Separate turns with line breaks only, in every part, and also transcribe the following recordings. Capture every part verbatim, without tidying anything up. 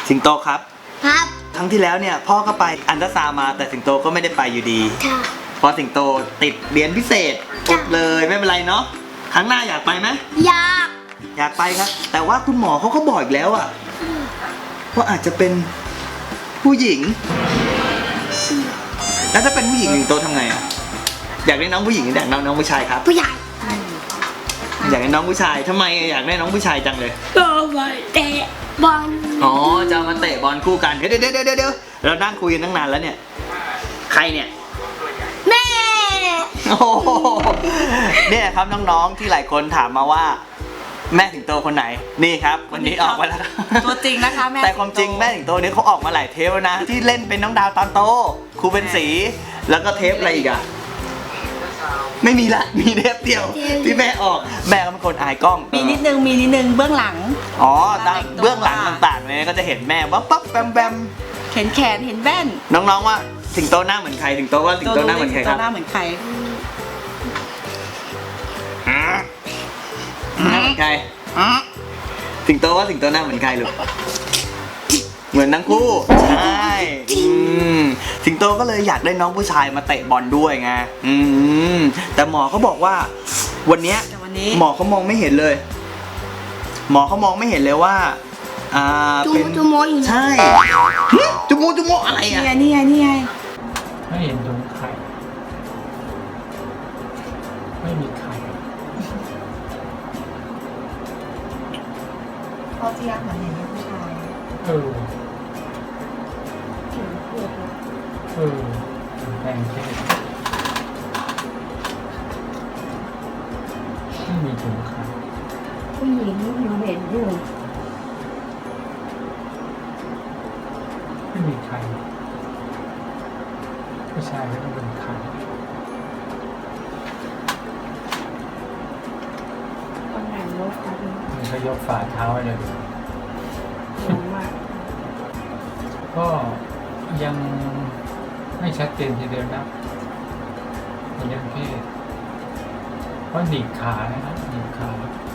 สิงโตครับ
ครับ
ครั้งที่แล้วเนี่ยพ่อก็ไปอันตราซาวน์มาแต่สิงโตก็ไม่ได้ไปอยู่ดี
ค่ะ
เพราะสิงโตติดเรียนพิเศษอดเลยไม่เป็นไรเนาะครั้งหน้าอยากไปไหม
อยาก
อยากไปครับแต่ว่าคุณหมอเขาก็บอกอีกแล้วอะว่าอาจจะเป็นผู้หญิง แล้วถ้าเป็นผู้หญิงสิงโตทำไงอะอยากได้น้องผู้หญิงหรืออยากได้น้องผู้ชายครับ
ผู้ใหญ่
อยากได้น้องผู้ชายทำไมอยากได้น้องผู้ชายจังเลย
ก็ไปเตะบอล
อ๋อจะเอามาเตะบอลคู่กันเดี๋ยวเดี๋ยวเดี๋ยวเดี๋ยวเรานั่งคุยกันตั้งนานแล้วเนี่ยใครเนี่ย
แม่
โอ้โหเนี่ยครับน้องๆที่หลายคนถามมาว่า แม่สิงโตคนไหนนี่ครับวันนี้ออกมาแล้ว
ตัวจริงนะคะแม่
แต่ความจริงแม่สิงโตนี้เขาออกมาหลายเทปแล้วนะที่เล่นเป็นน้องดาวตอนโตครูเป็นสีแล้วก็เทปอะไรอีกอะไม่มีละมีเทปเดียวที่แม่ออกแม่ก็เป็นคนอายกล้อง
มีนิดนึงมีนิดนึงเบื้องหลัง
อ๋อตั้งเบื้องหลังต่างๆเนี่ยก็จะเห็นแม่ว่าปั๊บแบมแบม
เห็นแขนเห็นแว่น
น้องๆว่าสิงโตหน้าเหมือนใครสิงโตว่าสิงโตหน้าเหมือนใครครับ
หน้าเหมือนใคร
หน้าเหมือนใครสิงโตว่าสิงโตหน้าเหมือนใครลูกเหมือนทั้งคู่ใช่อืมสิงโตก็เลยอยากได้น้องผู้ชายมาเตะบอลด้วยไงอืมแต่หมอเขาบอกว่าวันเนี้ย
แต่วันนี้
หมอเขามองไม่เห็นเลย หมอเขามองไม่เห็นเลยว่าอ่า
จู
เป็น
จูโมอยู่
ใช่หึจุมูจุมูอะไร
นี่
อ่ะ
ไงนี่ไงนี่ไง
ไม่เห็นตรงไข่ ไม่มีไข่
พ่อที่รักเหมือนเห็นผู้ชาย
เออ เออแปลงเพศไม่มีถุงไข่
ผู้หญิงอยู่เห็นอยู่
ไม่มีไข่ผู้ชายก็ต้องเป็นไข่
คนไหนรถครับ
มันก็ยกฝ่าเท้าไว้เลย
ลงมา
ก็ยังไม่ชัดเจนทีเดียวนะในเรื่องเพศเพราะหนีบขานะครับหนีบขา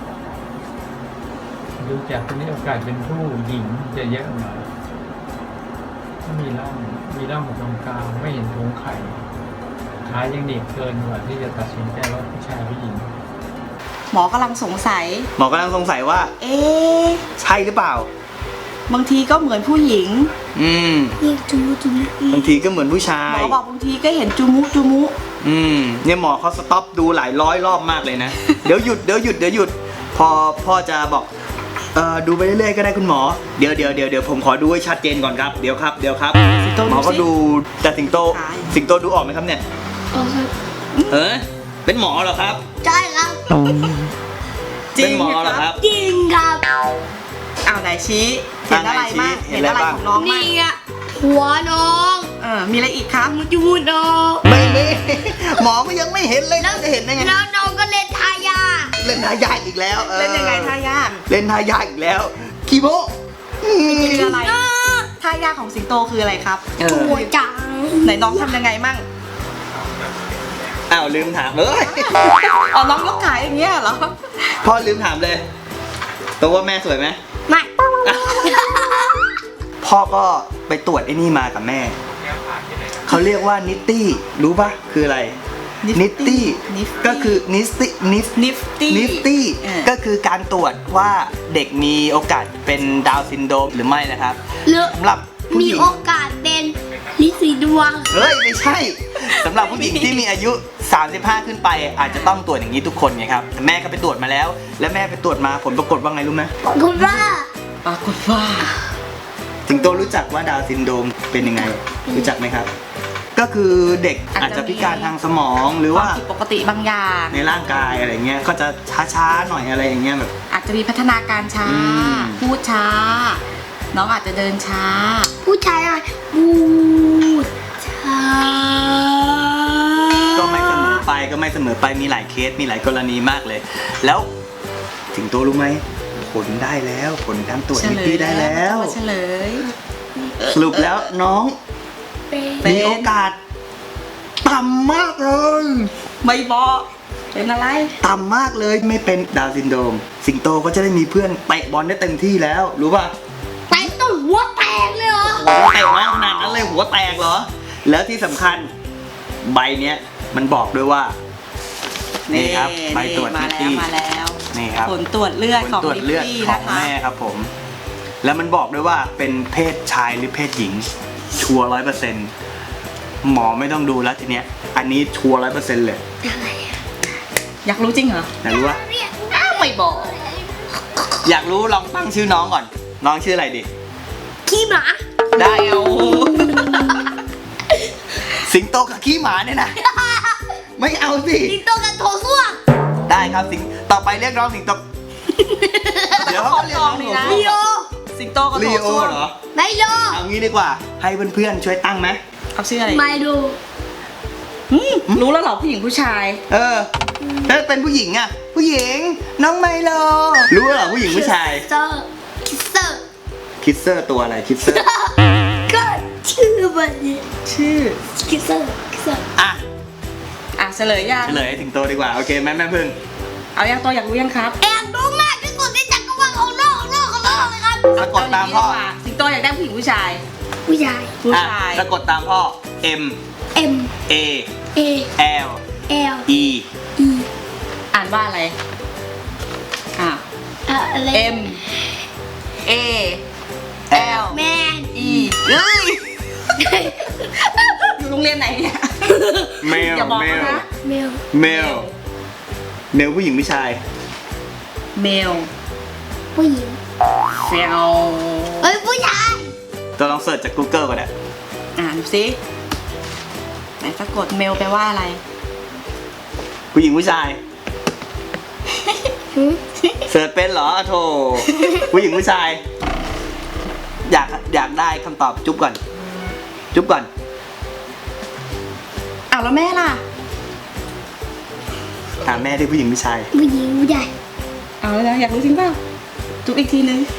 ดูจากตรงนี้โอกาสเป็นผู้หญิงจะเยอะหน่อยถ้ามีร่องมีร่องตรงกลางไม่เห็นถุงไข่ขายังหนีบเกินกว่าที่จะตัดสินใจว่าผู้ชายผู้หญิง
หมอกำลังสงสัย
หมอกำลังสงสัยว่า
เอ๊ะ
ใช่หรือเปล่า
บางทีก็เหมือนผู้หญิง
อืม
นี่จูโมจูโม
บางทีก็เหมือนผู้ชา
หมอย บอกบางทีก็เห็นจูมุจูมุ
อืมเนี่ยหมอเขาสต็อปดูหลายร้อยรอบมากเลยนะ เดี๋ยวหยุดเดี๋ยวหยุดเดี๋ยวหยุด พอพ่อจะบอกเอ่อดูไปเรื่อยๆก็ได้คุณหมอเดี๋ยวเดี๋ยวเดี๋ยวเดี๋ยวผมขอดูให้ชัดเจนก่อนครับเดี๋ยวครับเดี๋ยวครับ
สิงโต
หมอก็
สิ
ดูแต่สิงโต
ใช่
สิงโตดูออกไหมครับเนี่ย
โอ้ครับ
เออเป็นหมอเหรอครับ
ใช่ครับ
เป็นหมอเหรอครับ
จริงครับ
อ้าวไหนชี้เห็นอะไรบ้าง
เห็
เห็
น
น
อะ
อะไร ไร
บ้าง
ของน้องบ้าง
นี่อะหัวน้อง
เออมีอะไรอีกครับ
จูน้อง
ไม่ไม่ หมอก็ยังไม่เห็นเลยนะจะเห็นได้ไง
แล้วน้องก็เล่นทายา
เล่นทายาทอีกแล้วออ
เล่นยังไงท่ายาก
เล่นทายาทอีกแล้วคีโมอืม
คืออะไรท่ายากของสิงโตคืออะไรครับ
เออ
หัวจัง
ไหนน้องทำยังไงมั่ง
อ้าวลืมถามเลย
อ๋อน้องยกขาอย่างเงี้ยเหรอ
พ่อลืมถามเลยตัวว่าแม่สวยไหม
ไม่
พ่อก็ไปตรวจไอ้นี่มากับแม่ เขาเรียกว่านิตตี้ รู้ปะคืออะไร นิตตี้
Nifty
ก็คือนิสตี้นิฟ
นิฟตี้
นิฟตี้
เออ
ก็คือการตรวจว่าเด็กมีโอกาสเป็นดาวน์ซินโดรมหรือไม่นะครับ
หรือ
สำหรับผู้
มี
หญิง
โอกาสเป็นลิสีดวง
เฮ้ย ไม่ใช่สำหรับผู้หญิงที่มีอายุ สามสิบห้า ขึ้นไป อาจจะต้องตรวจอย่างนี้ทุกคนไงครับแต่แม่ก็ไปตรวจมาแล้ว แล้วแม่ไปตรวจมาผลปรากฏว่าไงรู้ไหม
คุณว่า
ปรากฏว่า
สิงโตรู้จักว่าดาวน์ซินโดรมเป็นยังไง รู้จักไหมครับ ก็คือเด็กอาจจะพิการทางสมองหรือ
ควา
ว่า
มผิดปกติบางอย่าง
ในร่างกายอะไรเงี้ยก็จะช้าๆหน่อยอะไรอย่างเงี้ยแบบ
อาจจะมีพัฒนาการช้า
อืม
พูดช้า น้องอาจจะเดินช้า
ผู้ชายอะไรพูดช้า
ก็ไม่เสมอไปก็ไม่เสมอไปมีหลายเคสมีหลายกรณีมากเลย แล้วสิงโตรู้ไหมผลได้แล้วผลการตรวจ
เฉ
นิ
ล
ตี้
ย
ได้แล้ว
เฉลย
สรุปแล้วน้อง
เป็น
เป็น
มีโอกาสต่ำมากเลย
ไม่บอกเป็นอะไร
ต่ำมากเลยไม่เป็นดาวน์ซินโดรมสิงโตก็จะได้มีเพื่อนเตะบอลได้เต็มที่แล้วรู้ป่ะ
ไปต้องหัวแต
เตะมากขนาดนั้นเลยหัวแตกเหรอ แล้วที่สำคัญใบเนี้ยมันบอกด้วยว่า นี่ครับใบตรวจ
มา
นิต
แล้ว
ตี้
มาแล้ว
นี่ครับ
ผลตรวจเลือด
ผล
ของ
ตรวจ
ลิป
เลือด
ปี้
ขอ
นะ
ง
คะ
แม่ครับผม แล้วมันบอกด้วยว่าเป็นเพศชายหรือเพศหญิง ชัวร์ร้อยเปอร์เซ็นต์หมอไม่ต้องดูแล้วทีเนี้ย อันนี้ชัวร์ร้อยเปอร์เซ็นต์เลย
อยากรู้จริงเหรอ
อยากรู้ว่า
อ้าวไม่บอก
อยากรู้ลองตั้งชื่อน้องก่อน น้องชื่ออะไรดี
ขี้หมา
ได้เอาสิงโตกับขี้หมาเนี่ยนะ ไม่เอาสิ
สิงโตกับโถส้วม
ได้ครับสิงต่อไปเรียกน้องสิงโต เดี๋ยวเขาเรียกน้อง
นี่นะ
ลีโอ
สิงโตกับ
ลี
โถ
โอ
ส้วม
เหรอ
ไมโล
เอางี้ดีกว่า ให้เพื่อนๆช่วยตั้งไหม
เขาชื่ออะไร
ไมโล
อืมรู้แล้วเหรอผู้หญิงผู้ชาย
เออถ้าเป็นผู้หญิงอ่ะ ผู้หญิง น้องไมโล รู้เหรอผู้หญิงผู้ชาย
เซอร์คิสเซอร์
คิดเซอร์ตัวอะไรคิดเซอร์
ก็ชื่อมันเนี่ย
ชื่อ
คิสเซอร์คิสเซอร์
อ่ะ
อ่ะเฉลยยัง
เฉลยให้สิงโตดีกว่า โอเคแม่แม่พึ่ง
เอายังตัวอยากรู้ยังครับ
แอบดูมากที่สุดในจักรวาลของโลกของโลกของโลกเลยครับ
สะกดตามพ่อ
เย่งนี้ดีกว่าสิงโตอยากได้ผู้หญิงผู้ชาย
ผู้ชาย
ผู้
อ่ะ
ชาย
สะกดตามพ่อ M
M
A
A
L
L
E
E
อ่านว่าอะไร อ่ะ
อะอะไร
M A L
แมน
E เฮ้ยอยู่โรงเรียนไหนเนี่ย
เมล
อย่าบอก
เมล
นะ
เมล
เมลเมลผู้หญิงผู้ชาย
เมล
ผู้หญิง
เฟล
เอ้ยผู้ชาย
ตัวลองเสิร์ชจาก Google ก่อนนะ
อ่านสิไหนสะกดเมลแปลว่าอะไร
ผู้หญิงผู้ชาย
หืม
เสิร์ชเป็นเหรอโธ่ผู้หญิงผู้ชาย อยากอยากได้คำตอบจุ๊บก่อน จุ๊บก่อน
อ้าวแล้วแม่ล่ะ
ถามแม่ที่ผู้หญิงผู้ชาย
ผู้หญิงผู้ชาย
เอาแล้วอยากรู้จริงเปล่าจุ๊บอีกทีนึง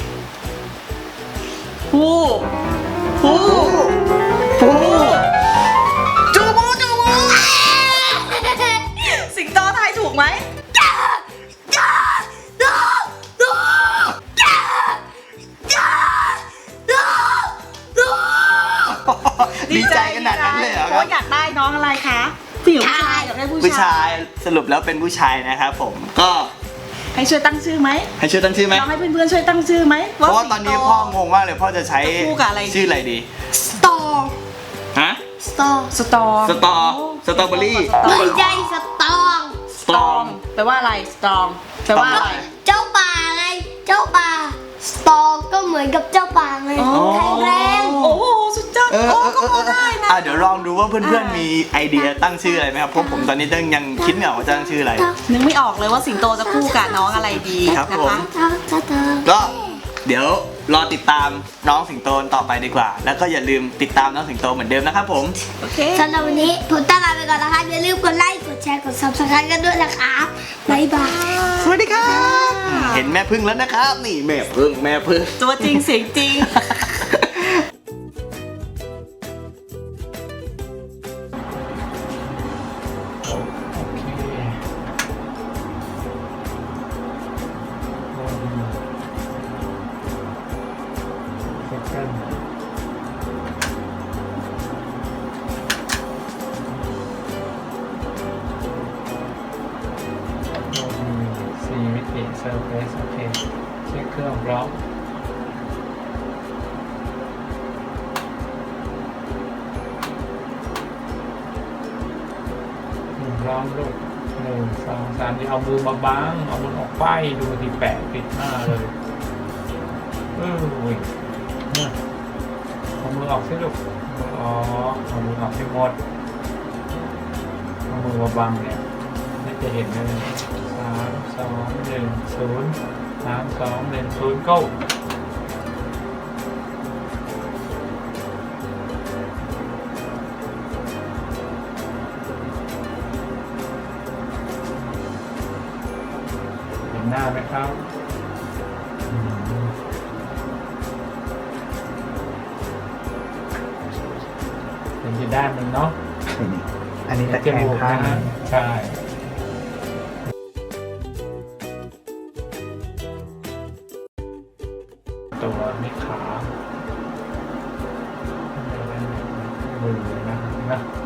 ผู้ผู้
ผู้
จูบูจูบูสิงโตทายถูกไหม
ดีใจขนาดนั้นเลยเหรอ
เพ
ครั
ราะ
บ
อยากได้น้องอะไรคะผู้หญิงผู้ชายอยากได้ผู้
ผู้
ชา
ชาย ยสรุปแล้วเป็นผู้ชายนะครับผม ก็
ให้ช่วยตั้งชื่อไหม
ให้ช่วยตั้งชื่อไหม
ลองให้เพื่อนๆช่วยตั้งชื่อไหม
เพราะว่าตอนนี้พ่องงมากเลยพ่อจะใช้
จะคู่กับอะไรดี
ชื่ออะไรดี
สตอ
ฮะ
สตอ
สตอ
สตอสตรอเบอรี่
ไม่ใช่สตอง
สตรอง
แปลว่าอะไรสตรองแปลว่าอะไร
เจ้าป่าไง เจ้าป่า สตอก็เหมือนกับเจ้าป่าไง
อ๋อ
แข็งแรง
โอ้โหสุดยอด
เออ
โอ้
เออ
ก็
เออ
พอ
เออ
ได้นะ
อ่ะเดี๋ยวลองดูว่าเพื่อน
อ่า
ๆมีไอเดียตั้งชื่ออะไรไหมครับเพราะผมตอนนี้ยังยังคิดไม่ออกว่าจะตั้งชื่ออะไร
นึกไม่ออกเลยว่าสิงโตจะคู่กับน้องอะไรดี
ครับ
นะ
ผม
คะ
เจ้าเจ้าเจ้า
ก็เดี๋ยวรอติดตามน้องสิงโตต่อไปดีกว่า แล้วก็อย่าลืมติดตามน้องสิงโตเหมือนเดิมนะครับผม
โอเค
สำหรับวันนี้ผมต้องลาไปก่อนนะคะอย่าลืมกดไลค์ กดแชร์ กด ซับสไครบ์ กันด้วยนะครับบ๊ายบาย
สวัสดีครับ เห็นแม่พึ่งแล้วนะครับ นี่แม่พึ่งแม่พึ่ง
ตัวจริงเสียงจริง
โอเคโอ้ดีเซ็กันโอ้ดีสี่มิติเซอร์เฟซโอเคเช็คเครื่องพร้อมพร้อมลูกหนึ่งสองสามที่เอามือมาบังเอามือออกไปดูที่แปะปิดหน้าเลยเอออุ้ยเนี่ยเอามือออกสิลูกมือออกเอามือออกให้หมดเอามือมาบังเนี่ยนี่จะเห็นเลยสามสองหนึ่งศูนย์สามสองหนึ่งศูนย์ go เห็นหน้าไหมครับอืมเป็นจะได้มันเนาะ
อันนี้ตะแคงข้าง
นะใช่ ตัวไม่ขานะ